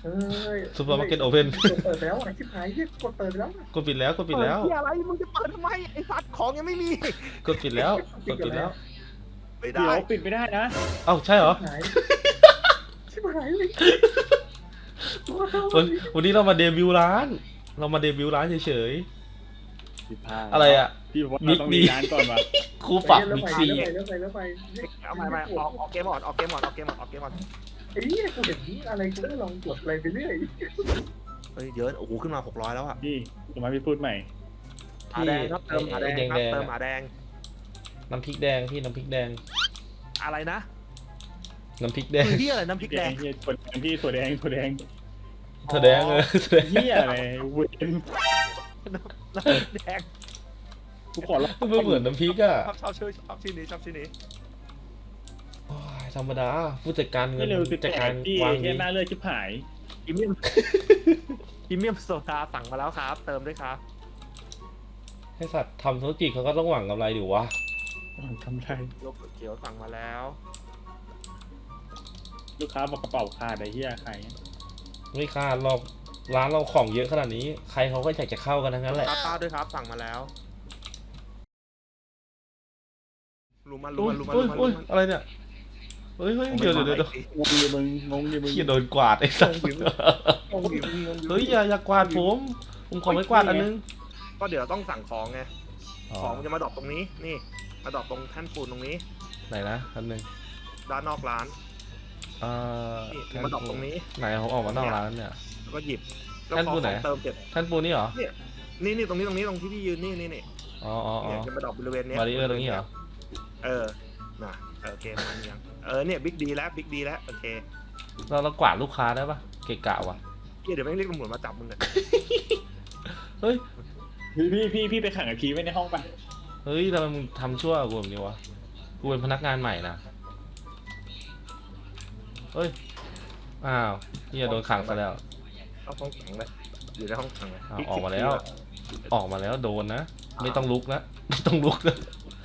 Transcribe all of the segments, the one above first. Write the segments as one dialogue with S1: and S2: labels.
S1: เฮ้ย
S2: ซูเปอร์มาร์เก็ตโอเพน
S1: กดเปิดแล้วชิบหายเรียกกดเปิดแล้ว
S2: กดปิดแล้วกดปิดแล้ว
S3: เปิดที่อะไรมึงจะเปิดทำไมไอ้สัตว์ของยังไม่มี
S2: กดปิดแล้วกดปิดแล้ว
S3: ไม่
S4: เดี๋
S3: ได้
S4: ยวปิดไม่ได้นะ
S2: เอ้าใช่เหรอ
S1: หายชิบหายเลย
S2: วันนี้เรามาเดบิวต์ร้าน เรามาเดบิวต์ร้านเฉย
S4: ผิดพลาด
S2: ๆอะไรอ่ะ
S4: พี่บอกว่า
S2: บิ๊
S4: เรา
S2: ก
S4: ต้อง
S2: ดี
S4: มีร้านก่อนว่ะ
S2: ครูปรับบิ๊กซี
S1: แล้วไป
S3: เอาไม่ออกเกมออนออกเกมออนออกเกมออนออกเกมออน
S1: ไอ้เนี่ยกูเห็นอะไรกูก็ลองกดอะไรไปเรื่อย
S3: เฮ้ยเยอะโอ้โหขึ้นมา600แล้วอ่ะ
S4: พี่จะมาพี่พูดใหม่
S3: หาแดงครับเติมหาแดงครับเติมหาแดง
S2: น้ำพริกแดงพี่น้ำพริกแดง
S3: อะไรนะ
S2: น้ำพริกแดง
S3: คือที่อะไรน้ำพริกแดง
S4: เฮียถั่วแดงพี่ถั่วแดงถั่วแดง
S2: เธอแดงเลยเธอแดง
S4: เฮียอะไรเวน
S3: น้ำพริกแดง
S4: กูขอรับ
S2: ไม่เหมือนน้ำพริกอ่ะ
S3: ชอบชื่อนี้ชอบชื่อนี้
S2: โอ้ยธรรมดาผู้จัดการเงิ
S4: ไม่
S2: น
S4: เร็วคือ
S2: จัดการ
S4: พี่
S2: วาง
S4: เฮี
S2: นี้
S4: ยหน้าเลือดชิบหาย
S3: พรีเมียมพรีเมียมโซดาสั่งมาแล้วครับ เติมด้วยครับ
S2: ให้สัตว์ทำธุรกิจเขาก็ต้องหวังกำไรดิวะ
S4: ทำไร
S3: โลกเขียวสั่งมาแล้ว
S4: ลูกค้าบอกกระเป๋าขาดไอ้เฮียใคร
S2: ไม่คาดหรอกร้านเราของเยอะขนาดนี้ ใครเขาก็อยากจะเข้ากันทั้งนั้นแหละ
S3: ป้าด้วยครับสั่งมาแล้วรู้มัน
S2: โอ้ย
S3: รู้มัน
S2: โอ้ย
S3: รู้
S2: โอ้ย
S3: มัน
S2: อะไรเนี่ยเฮ้ยเดี๋ยว
S4: งงดิมึงงงดิมึง
S2: เฮียโดนกวาดไอ้สัตว์ เฮ้ยอย่ากวาดผมขอไม่กวาดอันนึง
S3: ก็เดี๋ยวต้องสั่งของไงของมันจะมาดรอปตรงนี้นี่มาดรอปตรงแท่นปูนตรงนี้
S2: ไหนนะอันนึง
S3: ด้านนอกร้าน นี่มาดรอปตรงนี้
S2: ไหนเขาออกมานอกร้านเนี่ย
S3: แล้วก็หยิบแล้ว
S2: แท่น
S3: ขอ
S2: ปูน
S3: ข
S2: ไหน
S3: องเติมเสร็จ
S2: ท่านปูนี่เหรอ
S3: นี่ตรงนี้ตรงที่พี่ยืนนี่
S2: อ๋อ
S3: เนี่ยจะมาดรอปบริเวณเนี้ย
S2: บาริเออร์ตรงนี้เหรอ
S3: น่ะโอเคมันยังเนี่ยบิ๊กดีแล้วโอเค
S2: เรากวาดลูกค้าได้ปะเกะกะวะ
S3: เดี๋ยวแม่งเรียกตำรวจมาจับมึงเนี่ย
S2: เฮ้ย
S4: พี่ไปขังกับพีไว้ในห้องไป
S2: เฮ้ยทำไมมึงทำชั่วกับกูแบบนี้วะกูเป็นพนักงานใหม่นะเฮ้ยอ้าวเฮียโดนขังซะแล้ว
S3: เอาห้องขังเลยอยู่ในห้องขังเลย
S2: อ้าวออกมาแล้วโดนนะไม่ต้องลุกนะไม่ต้องลุกนะ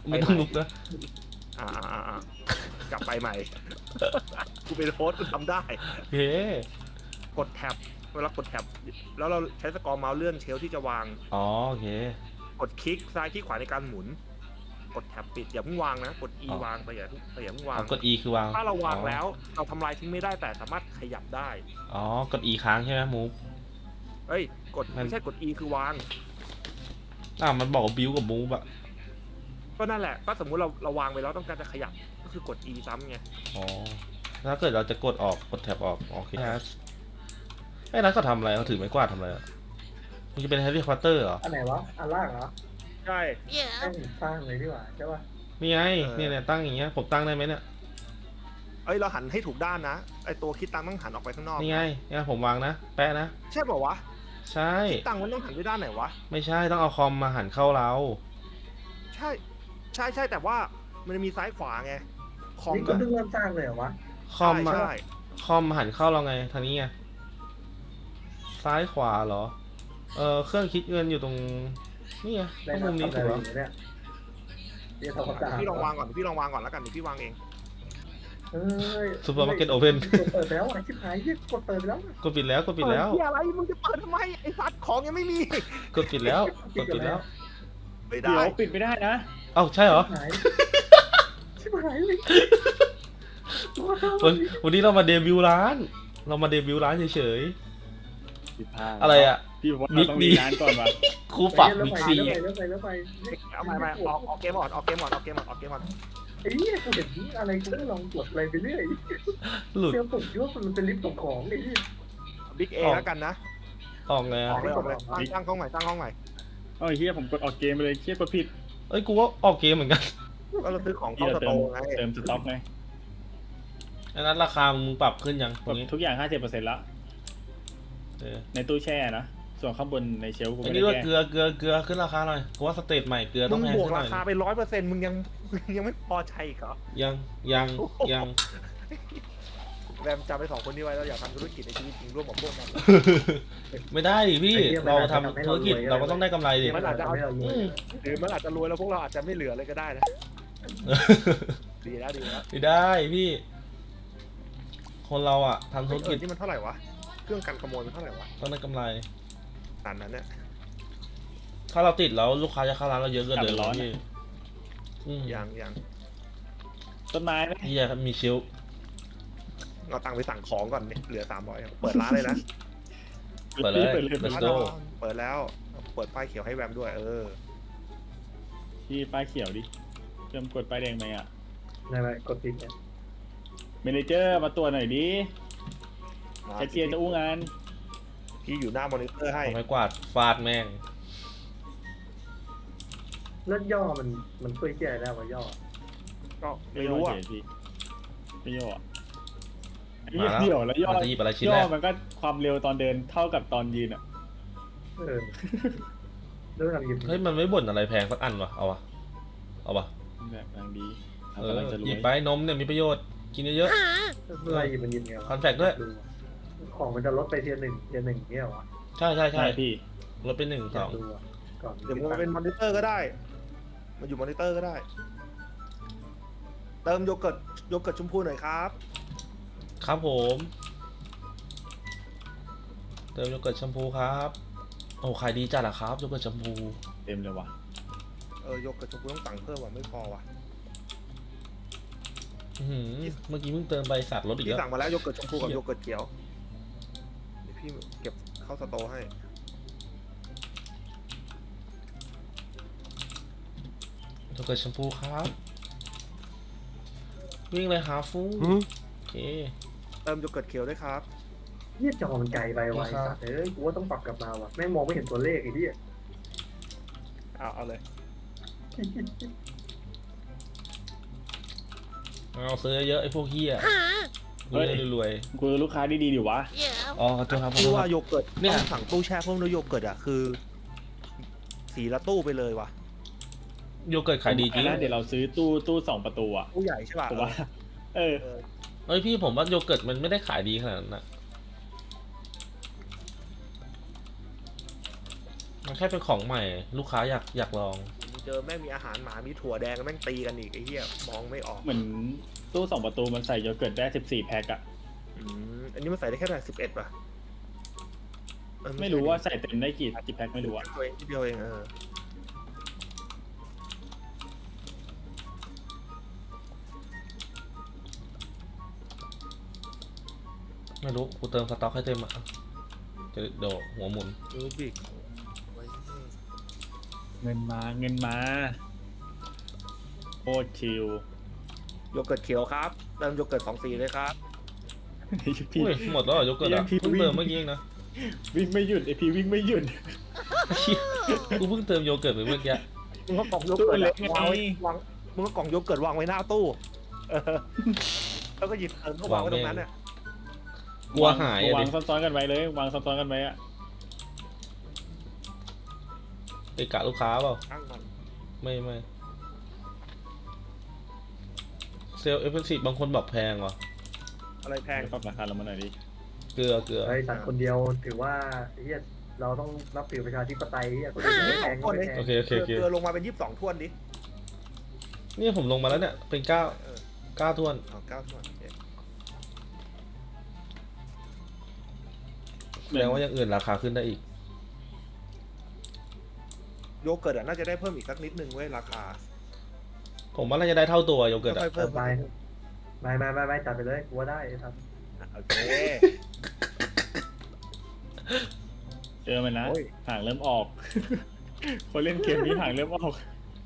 S3: กลับไปใหม่ กูเป็นโฮสต์กูทำได้
S2: เฮ้
S3: กดแท็บเวลากดแท็บแล้วเราใช้สกอร์เมาส์เลื่อนเชลฟ์ที่จะวาง
S2: อ๋อโอเค
S3: กดคลิกซ้ายคลิกขวาในการหมุน กดแท็บปิดอย่าเพิ่งวางนะกด E วางไปอย่าเพิ่งวาง
S2: กด E คือวาง
S3: ถ้าเราวางแล้วเราทำลายทิ้งไม่ได้แต่สามารถขยับได้
S2: อ๋อกด E ค้างใช่ไหมมูฟ
S3: เอ้ยกดไม่ใช่กด E คือวาง
S2: มันบอกว่าบิวกับมูฟอะ
S3: ก็นั่นแหละก็สมมุติเราวางไปแล้วต้องการจะขยับก็คือกด E ซ้ำไง
S2: อ๋อถ้าเกิดเราจะกดออกกดแท็บออกโอเคไอ้นัทเขาทำอะไรเขาถือไม้กวาดทำอะไรอะมันจะเป็นแฮร์รี่พอตเตอร์เหรอ
S1: อันไหนวะอันล่างเหรอ
S3: ใช่
S1: สร้างเลยดีกว่าใช่ป่ะ
S2: นี่ไงเนี่ยตั้งอย่างเงี้ยผมตั้งได้ไหมเนี่ย
S3: เอ้ยเราหันให้ถูกด้านนะไอตัวคิดตังค์ต้องหันออกไปข้างนอก
S2: นี่ไงเนี่ยผมวางนะแปะนะ
S3: ใช่ป่าวะ
S2: ใช่
S3: คิดตังค์มันต้องหันไปด้านไหนวะ
S2: ไม่ใช่ต้องเอาคอมมาหันเข้าเรา
S3: ใช่แต่ว่ามันจะมีซ้ายขวาไงคอม
S1: นี่ก็เพิ่งเริ่มสร้างเลยเหรอวะ
S2: คอมมา
S3: ใช่
S2: คอมหันเข้าเราไงทางนี้ไงซ้ายขวาเหรอเครื่องคิดเงินอยู่ตรงนี่ไงตรงมุมนี้ถูกปะ
S1: เนี่ยเดี๋ยวทำความสะอาด
S3: พี่ลองวางก่อนแล้วกันเดี๋ยวพี่วางเอง
S1: เฮ้ย
S2: ซูเปอร์มาร์เก็ตโอเพน
S1: เปิดแล้วชิบหายเรียกกดเปิดแล้ว
S2: กดปิดแล้ว
S3: เปิดที่อะไรมึงจะเปิดทำไมไอ้สัตว์ของยังไม่มี
S2: กดปิดแล้ว
S3: ไม่
S4: เดี๋
S3: ได้
S4: ยวปิดไม่ได้นะ
S2: เอ้าใช่เหรอ
S1: หายชิบหายเลย
S2: วันนี้เรามาเดบิวต์ร้าน เฉย
S4: ผิดพลาด
S2: ๆอะไรอ่ะ
S4: พี่บอกว่าเราต้องมีร้านก่อนว่ะ
S2: ครูปรับบิ๊กซี
S1: แล้วไป
S3: เอาไม่ออกเกมออน
S1: ไอ้เนี่ยกูเห็นอะไรกูก็ลองกดอะไรไปเรื่อย
S2: หลุด
S1: เซลล์ผมคิดว่ามันเป็นลิฟต์ส่งของไอ้ที่
S3: บิ๊กเอแล้วกันนะ
S2: ออกไง
S3: อ
S2: อะ
S3: อกเลยตั้งห้องใหม่
S4: เอ้ยเฮียผมกดออกเกมไปเลยเฮียกดผิด
S2: เอ้ยกูว่าออกเกมเหมือนกัน
S3: ก็เราซื้อของ
S4: เฮี
S3: เข้าย ส
S4: เติ
S3: โต
S4: ม
S3: ร์ไง
S4: เติมสต็อกไง
S2: อันนั้นราคามึงปรับขึ้นยังต
S4: ก
S2: ร
S4: ด
S2: งนี้
S4: ทุกอย่าง 50%แล้ว
S2: เออ
S4: ในตู้แช่นะส่วนข้างบนในเชลฟ์กู
S2: อัน
S4: ไม่
S2: นี้
S4: ได้
S2: ว่า
S4: แก้
S2: เกลือขึ้นราคาหน่อยกูว่าสเตทใหม่เกลือ
S3: มึ
S2: ต้อง
S3: ง
S2: แพง
S3: บวก
S2: ขึ้นห
S3: รา
S2: น่อย
S3: คาไป100%มึงยังไม่พอใจอีกเหรอ
S2: ยัง
S3: แรมจำไป2คนนี้ไว้แล้วอยากทำธุรกิจในชีวิตจริงร่วมกับพวกมัน
S2: ไม่ได้ดิพี่เราทำธุรกิจเราก็ต้องได้กำไรดิ
S3: มันอาจจะเอาหรือมันอาจจะรวยแล้วพวกเราอาจจะไม่เหลือเลยก็ได้นะดีแล้ว
S2: ไม่ได้พี่ คนเราอ่ะทำธุรกิจ
S3: ที่มันเท่าไหร่วะเครื่องกันขโมยมันเท่าไหร่วะ
S2: ต้องได้กำไร
S3: ขนาดนั้นเนี่ย
S2: ถ้าเราติดแล้วลูกค้าจะเข้าร้านเราเยอะเกินเลยพี่อืม
S3: ยัง
S4: ต้นไม้ไหม
S2: เฮียมีชิล
S3: เอาตังค์ไปสั่งของก่อนเนี่ยเหลือ300เปิดร้านเลยนะ
S2: เปิดเลย
S4: เปิดเลย
S2: Let's go
S3: เปิดแล้วเปิดป้ายเขียวให้แวมด้วย
S4: พี่ป้ายเขียวดิเริ่มกดป้ายแดงไหมอ่ะ
S1: อะไรกดติดเนี่ย
S4: เมเนเจอร์มาตรวจหน่อยดิแคชเชียร์จะอู้งาน
S3: พี่อยู่หน้ามอนิเตอร์ให้
S2: เอาไม้กวาดฟาดแม่ง
S1: แล้วย่อมันช่วยแก้ได้ว่าย่อ
S3: ก็ไม่รู้อ่ะ
S4: พี่ไม่ย่ออะ
S2: มาแล้ว
S4: เดี่ยวแล้วย่อ
S2: มันจะหยิบอะไรชิ้น
S4: ย่
S2: แร
S4: อก มันก็ความเร็วตอนเดินเท่ากับตอนยืนอ่ะ
S1: เออเรื่องอะไรยิบ
S2: เฮ้ยมันไม่บ่นอะไรแพงสักอันวะเอาวะ
S4: แบบกำลังดี
S2: เออก
S4: ำลังจะร
S2: ห
S4: ว
S2: ยิบ
S4: ย
S2: ไปนมเนี่ยมีประโยชน์กินเยอะ
S1: เรื่องอะไรยิบมันยิบไง
S2: ๆ
S1: วะ
S2: คอนแฟกด้วย
S1: ดูของมันจะลดไปเทียร์หนึ่งเนี่ยวะ
S2: ใช่ใช่
S4: ใช่
S2: ใช่
S4: พี่
S2: ลดไป1
S1: อยากดูอะก่อน
S3: เดี๋ยวมันเป็นมอนิเตอร์ก็ได้มันอยู่มอนิเตอร์ก็ได้ เติมโยเกิร์ตชมพูหน่อยครับ
S2: 2ครับผมเติมโยเกิร์ตแชมพูครับโอ้ขายดีจัดอะครับโยเกิร์ตแชมพู
S4: เต็มเลยว่ะ
S3: โยเกิร์ตชมพูต้องสั่งเพิ่มว่ะไม่พอว่ะ
S2: อื้อหือเมื่อกี้เพิ่งเติมไปสัตว์ลดอีก
S3: พี่
S2: แล้ว
S3: สั่งมาแล้วโยเกิร์ตชมพูกับโยเกิร์ตเขียวเดี๋ยวพี่เก็บเข้าสโตร์ให้
S2: โยเกิร์ตแชมพูครับวิ่งเลยหาฟูโอเค
S3: เติมโยเกิร์ตเขียวด้วยครับ
S1: เหี้ยจอมันไกลไปว่ะ
S2: ครับ
S1: ไอ้สัตว์เอ้ยกูว่าต้องปรับกลับมาว่ะแม่งมองไม่เห็นตัวเลขไอ้ที่
S3: เอาเลย
S2: เอาซื้อเยอะไอ้พวกเฮียรวย
S4: กูลูกค้าดีๆดิวะ
S2: ๆอ๋อขอโทษครับขอ
S3: พี่
S2: โทษค
S3: ว่า
S2: รับ
S3: โยเกิร์ต
S2: เนี่ย
S3: ต้องสั่งตู้แช่เพิ่มด้วยโยเกิร์ตอ่ะคือสีละตู้ไปเลยว่ะ
S2: โยเกิร์ตขายดีจริง
S4: นะเดี๋ยวเราซื้อตู้2 ประตูอ่ะ
S3: ตู้ใหญ่ใช่ป่ะ
S4: ถูกปะเออ
S2: เอ้ยพี่ผมว่าโยเกิร์ตมันไม่ได้ขายดีขนาดนั้นนะมันแค่เป็นของใหม่ลูกค้าอยากลอง
S3: เจอแม่งมีอาหารหมามีถั่วแดงแม่งตีกันอีกไอ้เหี้ยมองไม่ออก
S4: เหมือนตู้2 ประตูมันใส่โยเกิร์ตได้14 แพ็คอะ
S3: อันนี้มันใส่ได้แค่11ป่ะ
S4: ไม่รู้ว่าใส่เต็มได้กี่แพ็คไม่รู้อะ
S3: ตัวเองทีเดียวเอง
S2: ไม่รู้กูเติมสต็อกให้เต็มอ่ะจะเดี๋ยวหัวหมุน
S3: รูบิก
S4: เงินมาโคตรชิล
S3: โยเกิร์ตเขียวครับเติมโยเกิร์ต2 สีเลยครับ
S4: พี่
S2: อุ้ยหมดแล้วเหรอโยเกิร์ตอ่ะ
S4: พี่
S2: เพิ่ง
S4: วิ่ง
S2: เติมเมื่อกี้เองนะ
S4: วิ่งไม่หยุดไอพี่วิ่งไม่หยุด
S2: เหี้ยกูเพิ่งเติมโยเกิร์ตไปเมื่อกี้
S3: มึงก็กล่องโยเกิร์ต
S4: ตู้เล็ก
S3: วางไว้
S4: ไง
S3: วางมึงก็กล่องโยเกิร์ตวางไว้หน้าตู้แล้วก็หยิบเติมเข้าวางไว้ตรงนั้นเนี่ย
S2: กลัวหาย
S4: วา
S2: อ่ะ
S4: ง
S2: ดิ
S4: ซ้อนๆกันไว้เลยวางซ้อนๆกันไว้อะ
S2: ไปกะลูกค้าเปล่า
S3: ตั้งมัน
S2: ไม่เซลล์เอฟเฟกซีฟบางคนบอกแพงว่ะ
S3: อะไรแพง
S4: ปรับราคาลงมาหน่อยดิ
S2: เกลือ
S1: ไอ้สัตว์คนเดียวถือว่าไอ้เหี้ยเราต้องรับถือประชาธิปไตยเหี้ยคนอื่นไม่แพงก็ไม่แพง
S2: โอเค
S3: เกลือลงมาเป็น22 ถ้วนดิ
S2: นี่ผมลงมาแล้วเนี่ยเป็น9 9ถ้วน
S3: เอา9 ถ้วน
S2: แสดงว่าอย่างอื่นราคาขึ้นได้อีก
S3: โยเกิร์ตน่าจะได้เพิ่มอีกสักนิดนึงเว้ยราคา
S2: ผมว่าน่าจะได้เท่าตัวโยเกิร์ตอ่ะ
S3: ค่อยๆเพิ่ม
S1: ไม่จัดไปเลยกูว่าได้ไอ้สัตว์
S3: โอเค
S4: เจอมันนะ
S3: โอ้ย
S4: ห่างเริ่มออก คนเล่นเกมนี้ห่างเริ่มออก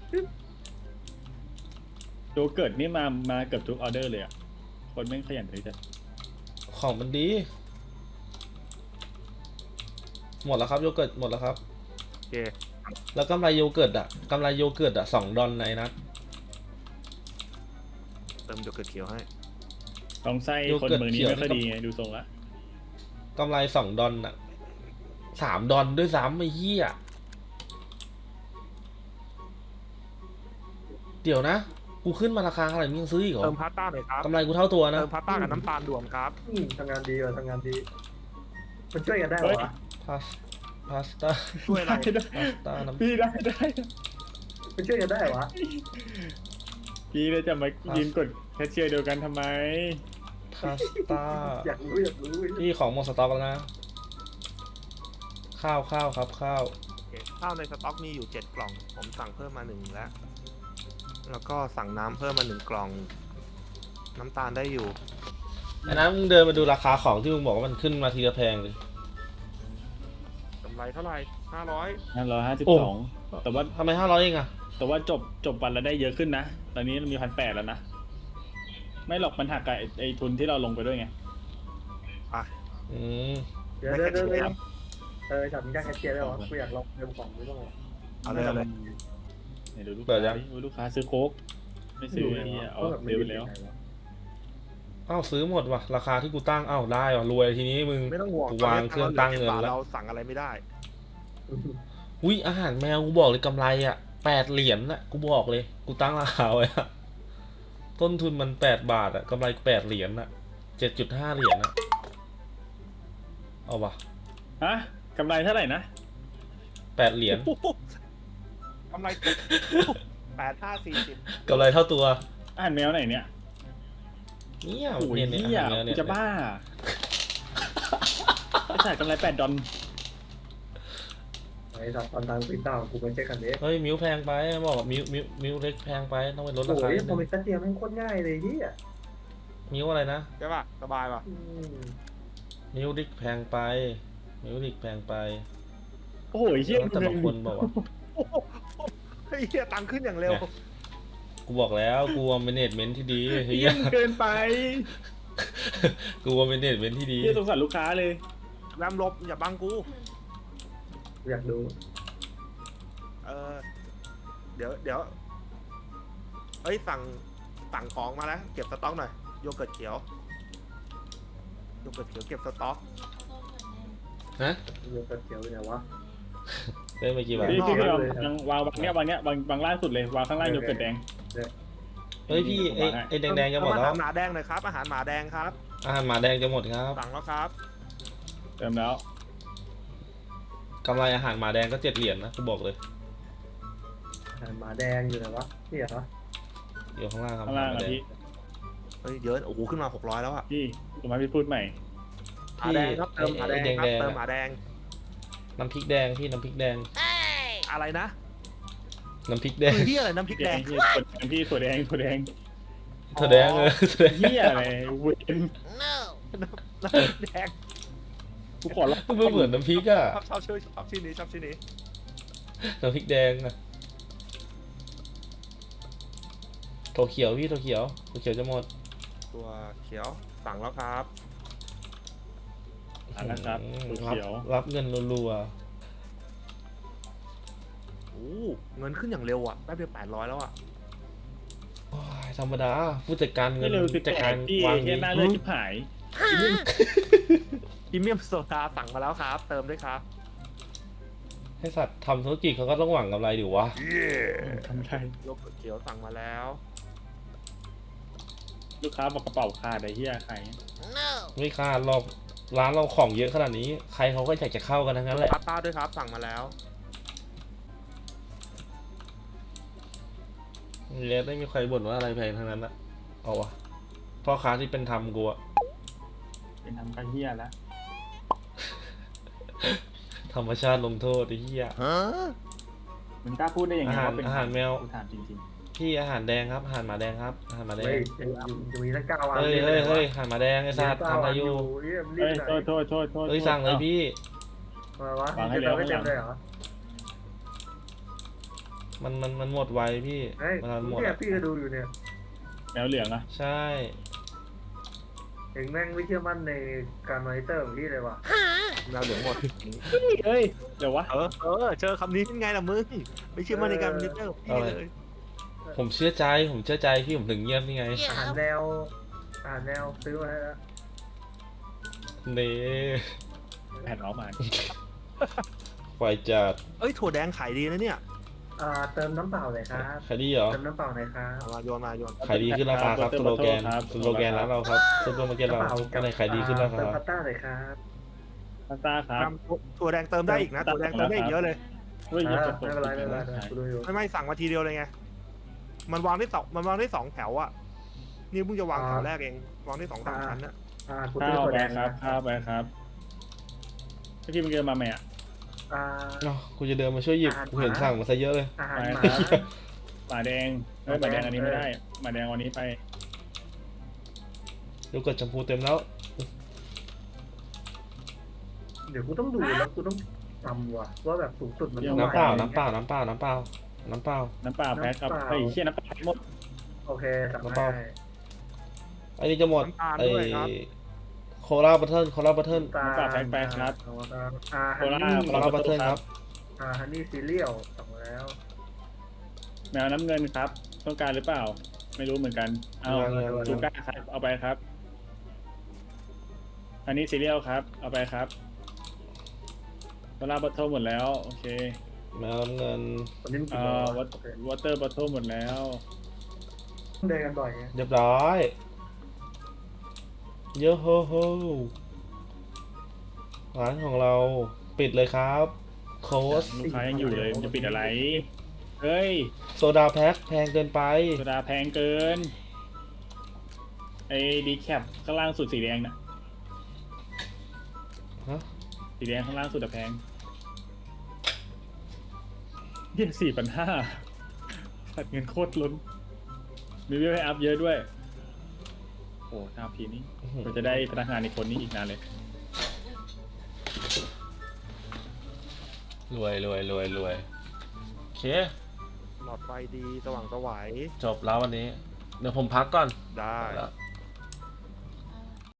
S4: โยเกิร์ตนี่มาเกือบทุกออเดอร์เลยอะคนแม่งขยันเลยจัด
S2: ของมันดี หมดแล้วครับโยเกิร์ตหมดแล้วครับ
S3: โอเค
S2: แล้วกำไรโยเกิร์ตอ่ะ$2ในนัด
S3: เติมโยเกิร์ตเขียวให้
S4: ลองไส้
S2: โย
S4: คน
S2: เกิร์ต
S4: เมืองนี้
S2: เขียว
S4: ไม่ค่อยดีไงดูทรงละ
S2: กำไร$2อ่ะ$3ด้วยซ้ำไอ้เหี้ยเดี๋ยวนะ กูขึ้นมาราคาเท่าไหร่มึงยังซื้ออีกเหรอ
S3: เติมพาสต้าหน่อยครับ
S2: กำไรกูเท่าตัวนะ
S3: เติมพาสต้ากับน้ำตาลรวมครับ
S1: ทำงานดีว่ะทำงานดีมันช่วยกันได้เหรอวะ
S2: พาสต้า
S3: ช่วยอะไร
S4: ได้
S2: พาสต้าน้ำ
S4: พี่ได้
S1: มันช่วยกันได้เหรอวะ
S4: พี่เลยจะมายืนกดแคชเชียร์เดียวกันทำไม
S2: พพาสต้า
S1: อยากรู้
S2: พี่ของหมดสต็อกแล้วนะ ข้าวครับข้าว
S3: โอเคข้าวในสต็อกมีอยู่7 กล่อง ผมสั่งเพิ่มมา1แล้วก็สั่งน้ำเพิ่มมา1 กล่อง น้ำตาลได้อยู่
S2: อันนั้นมึงเดินมาดูราคาของที่มึงบอกว่ามันขึ้นมาทีละแพงเลย
S3: กำไรเท่าไหร่500
S4: 552แต่ว่า
S2: ทำไม500เองอะ
S4: แต่ว่าจบวันละได้เยอะขึ้นนะ ตอนนี้มี1,800แล้วนะ ไม่หรอกมันหักกับไอ้ทุนที่เราลงไปด้วยไง
S2: อืม
S1: เดี๋ยวฉันอยากแคชเชียร์ได้หรอกูอยากลองเติมของไม่ต้องหรอ
S3: เอาเลยเอาเลย
S4: ไหนดูลูกค้าดิลูกค้าซื้อโค้กไม่ซื้อไอ้นี่เอาเร็วแล้ว
S2: อ้าวซื้อหมดว่ะราคาที่กูตั้งอ้าวได้ว่ะรวยทีนี้มึง
S3: ไม่ต้องห่วง
S2: กูวางเครื่องตั้งเงินแล้ว
S3: เราสั่งอะไรไม่ได้
S2: อุ้ยอาหารแมวกูบอกเลยกำไรอ่ะ8 เหรียญน่ะกูบอกเลยกูตั้งราคาไว้อะต้นทุนมัน8 บาทอ่ะกำไร8 เหรียญน่ะ7.5 เหรียญน่ะเอาวะ
S4: ฮะกำไรเท่าไหร่นะ
S2: 8 เหรียญ
S3: กำไร8540
S2: กำไรเท่าตัว
S4: อาหารแมวไหนเนี่ย
S2: เนี่ย
S4: โอ้ย
S2: เนี่ย
S4: เหี้ย
S2: อาหารแมวเนี่ย
S4: จะบ้าไอ้สัตว์กำไร$8
S1: ไอ้สัตว์ตอนทางฟิตต้ากูไปเช็คกันเด้
S2: เฮ้ยมิวแพงไปบอกว่ามิวเล็กแพงไปต้องไปลดรา
S1: โอ้
S2: คาย นิด
S1: พ
S2: นึ
S1: อง มีแคชเชียร์มันโคตรง่ายเลยที่อ่ะ
S2: มิวอะไรนะ
S3: ใช่ป่ะ สบายป่ะ
S2: มิวดิกแพงไปมิวดิกแพงไป
S4: โอ้โหเหี้ย
S2: แต่บางคนบอกว่า
S3: เฮ้ยเหี้ยตังค์ขึ้นอย่างเร็ว
S2: กูบอกแล้วกูว่าเมเนจเมนต์ที่ดีเฮี
S4: เหี้ย
S2: ย
S4: เกินไป
S2: กูว่าเมเนจเมนต์ที่ดี
S4: เหี้ยสงสารลูกค้าเลย
S3: แรมลบอย่าบังกู
S1: อยากดู
S3: เดี๋ยวเอ้ยสั่งของมาแล้วเก็บสต็อกหน่อยโยเกิร์ตเขียวเก็บสต็อก
S2: ฮะ
S1: โยเกิร์ตเขียวเป็นไงวะ
S2: ได้ไปกี่บาท
S4: พี่
S3: นอก
S4: วางเนี้ยวางล่างสุดเลยวางข้างล่างโยเกิร์ตแดง
S2: เฮ้ยพี่ไอ้แดงๆจะหมด
S3: อา
S2: แล้
S3: หาว รหมาแดงหน่อยครับ อาหารหมาแดงครับ
S2: อาหารหมาแดงจะหมดครับ
S3: สั่งแล้วครับ
S4: เติมแล้ว
S2: กำไรอาหารหมาแดงก็7 เหรียญนะกูบอกเลย
S1: หมาแดงอยู่ไหนวะนี่เหรอ
S2: อยู่ข้างล่างครับ
S4: ข้างล่าง
S2: หม
S4: อ่ะ
S2: แด
S4: พี่
S3: เฮ้ยเยอะโอ้โหขึ้นมา600แล้วอ่ะ
S4: พี่ถูกไหมพี่พูดใหม่
S3: หมาแดงครับเติมหมาแดงครับเติมหมาแดง
S2: น้ำพริกแดงพี่น้ำพริกแดง
S3: อะไรนะ
S2: น้ำพริกแดง
S3: คือที่อะไรน้ำพริกแดง
S4: พี่ถั่วแดง
S2: ถั่วแดงถั่วแดง
S4: เหี้ยอะไรเวน
S3: น้ำพริกแดง
S4: กูขอร้อง
S2: มันเหมือนน้ำพริกอะ
S3: ชอบชื่อนี้ชอบชื่อนี้
S2: น้ำพริกแดงอะถั่วเขียวพี่ถั่วเขียวจะหมด
S3: ตัวเขียวสั่งแล้วครับ
S4: นะครับถั่วเขียว
S2: รับเงินรัว
S3: โอ้เงินขึ้นอย่างเร็วอ่ะแป๊บเดียว800แล้วอ่ะ
S2: ๆโอ้ยธรรมดาผู้จัดการเงิ
S4: ไม่
S2: น
S4: เร็วคือ
S2: จัดการ
S4: พี่
S2: วาง
S4: เหี้
S2: ดี
S4: ยหน้าเลือดชิบหาย
S3: พรีเมียมโซดาสั่งมาแล้วครับ เติมด้วยครับ
S2: ให้สัตว์ทำธุรกิจเขาก็ต้องหวังกำไรดิวะ
S4: ทำได้
S3: โยเกิร์ตเขียวสั่งมาแล้ว
S4: ลูกค้าบอกกระเป๋าขาดไอ้เหี้ยใคร
S2: ไม่คาดหรอกร้านเราของเยอะขนาดนี้ ใครเขาก็อยากจะเข้ากันทั้งนั้นแหละ
S3: พาสต้าด้วยครับสั่งมาแล้ว
S2: เลยไม่มีใครบ่นว่าอะไรแพงทั้งนั้นอะเอาวะพ่อค้าที่เป็นธรรมกูอะ
S4: เป็นทำกันเหี้ยแล้ว
S2: ธรรมชาติลงโทษไอ้เหี้ย
S4: มันกล้าพูดได้ยังไง
S2: อาหารแมว
S4: กูถามจริง
S2: พี่อาหารแดงครับอาหารหมาแดงครับอาหารหมาแด
S1: เฮ้
S2: ง
S1: ยจะมีตั้ง9 วัน
S2: เฮ้ยอาหารหมาแดงไอ้สัตว์ทำอะไรอยู่
S4: ๆเฮ้ยโทษ
S2: เฮ้ยสั่งเลยพี่
S1: มาวะจะเติมไม่เต็มเลยเหรอ
S2: มันหมดไวพี่
S1: เฮ้ย
S2: มันหมด
S1: เนี่ย
S2: อะ
S1: พี่ก็ดูอยู่เนี่ย
S4: แมวเหลืองอ่ะ
S2: ใช่
S1: เองแม่งไม่เชื่อมั่นในการมอนิเตอร์ของพี่เลยว่ะ
S3: แมวเหลืองหมด
S4: เฮ้ยเดี๋ยววะ
S3: เจอคำนี้เป็นไงล่ะมึงไม่เชื่อมั่นในการมอนิเตอร์ของพี่เลย
S2: ผมเชื่อใจพี่ผมถึงเงียบนี่ไง
S1: อาหารแนวซื้อมาให้แล้ว
S2: เน่
S4: แผ่นออกมา
S2: ไฟจัด
S3: เอ้ยถั่วแดงขายดีนะเนี่ย
S1: เติมน้ำเปล่าเลยครับ
S2: ขายดีเหรอ
S1: เติมน้ำเปล่าหน่อยครับ
S3: เอามาโยน
S2: ขายดีขึ้นราคาครับสโลแกนร้านเราครับสโลแกนเราอะไรขายดีขึ้นราคา
S1: เติม
S2: ค
S1: พา
S2: รับ
S1: สต้าเลยครับ
S4: พาสต้าครับ
S3: ถั่วแดงเติมได้อีกนะถั่วแดงเติมได้อีกเยอะเลย
S4: เฮ้ย
S1: ไม่เป็นไรกูดูอยู่
S3: ไม่สั่งมาทีเดียวเลยไงมันวางได้สองแถวอะนี่เพิ่งจะวางแถวแรกเองวางได้2-3 ชั้นนะ
S1: กู
S4: ข้า
S1: ซื้อ
S4: ว
S1: ถั่ว
S4: ไป
S1: แดง
S4: ครับข้าวไปครับพี่มึงเดินมาไหมอ่ะ
S1: อ่า
S2: เนาะกูจะเดินมาช่วยหยิบ กูเห็นสั่งมาซะเยอะเลย
S1: อาหาร
S4: ไป
S1: หมา
S4: ครับหมาแดงเฮ้ยหมาแดงอันนี้ไม่ได้หมาแดงวันนี้ไป
S2: โยเกิร์ตแชมพูเต็มแล้ว
S1: เดี๋ยวกูต้องดูแล้วกูต้องจำว่ะว่าแบบสูงสุดมัน
S2: น้ำเปล่า
S1: ท่ไหร่
S2: น้ำเปล่า น้ำเปล่า น้ำเปล่า น้ำเปล่า
S4: น้ำเปล่าแพ็คครับไอ้เชี่ยน้ำเปล่าหมด
S1: โอเคสั่ง
S2: น้ำเป
S1: ได้
S2: ล่า ไอ้นี่จะหมด
S3: น้ำตาล
S2: ไอ้
S3: ด้วยครับ
S2: โคลาบัตเทิลโคลาบัตเทิล
S1: ตา
S4: น้ำเปล่าแพ็คไปครับ
S1: ฮั
S4: โคน
S1: นี่
S4: ลา
S2: โคลาบัตเทิลครับ
S1: ฮันนี่ซีเรียลสั่งแล้ว
S4: แมวน้ำเงินครับ ต้องการหรือเปล่า ไม่รู้เหมือนกัน เอา
S2: ยัง
S4: จูก้าครับ เอาไปครับ อันนี้ซีเรียลครับ เอาไปครับโซล่าบัตเทิลหมดแล้ว โอเค
S2: แมวน้ำเงิน
S1: วันนี้มันกี่
S4: เอ่
S1: โมง
S4: อ
S1: วะโอเคว
S4: อเตอร์บัตเทิลหมดแล้ว
S1: เดินกันบ่อยไง
S2: เรียบร้อย เยอะโฮโฮร้านของเราปิดเลยครับโค้ช
S4: ลูกค้ายังอยู่เลยมันจะปิดอะไร เฮ้ย
S2: โซดาแพ็คแพงเกินไป
S4: โซดาแพงเกิน ไอ้ดีแคปข้างล่างสุดสีแดงน่ะ
S2: ฮะ
S4: สีแดงข้างล่างสุดอะแพง4,500สัดเงินโคตรล้น มีวิวให้อัพเยอะด้วย โอ้หน้าพีนี่เราจะได้พนักงานในคนนี้อีกนานเลย
S2: รวยรวยรวยรวยโอเค
S3: หลอดไฟดีสว่างไสว
S2: จบแล้ววันนี้ เดี๋ยวผมพักก่อน
S3: ได้
S2: แล้ว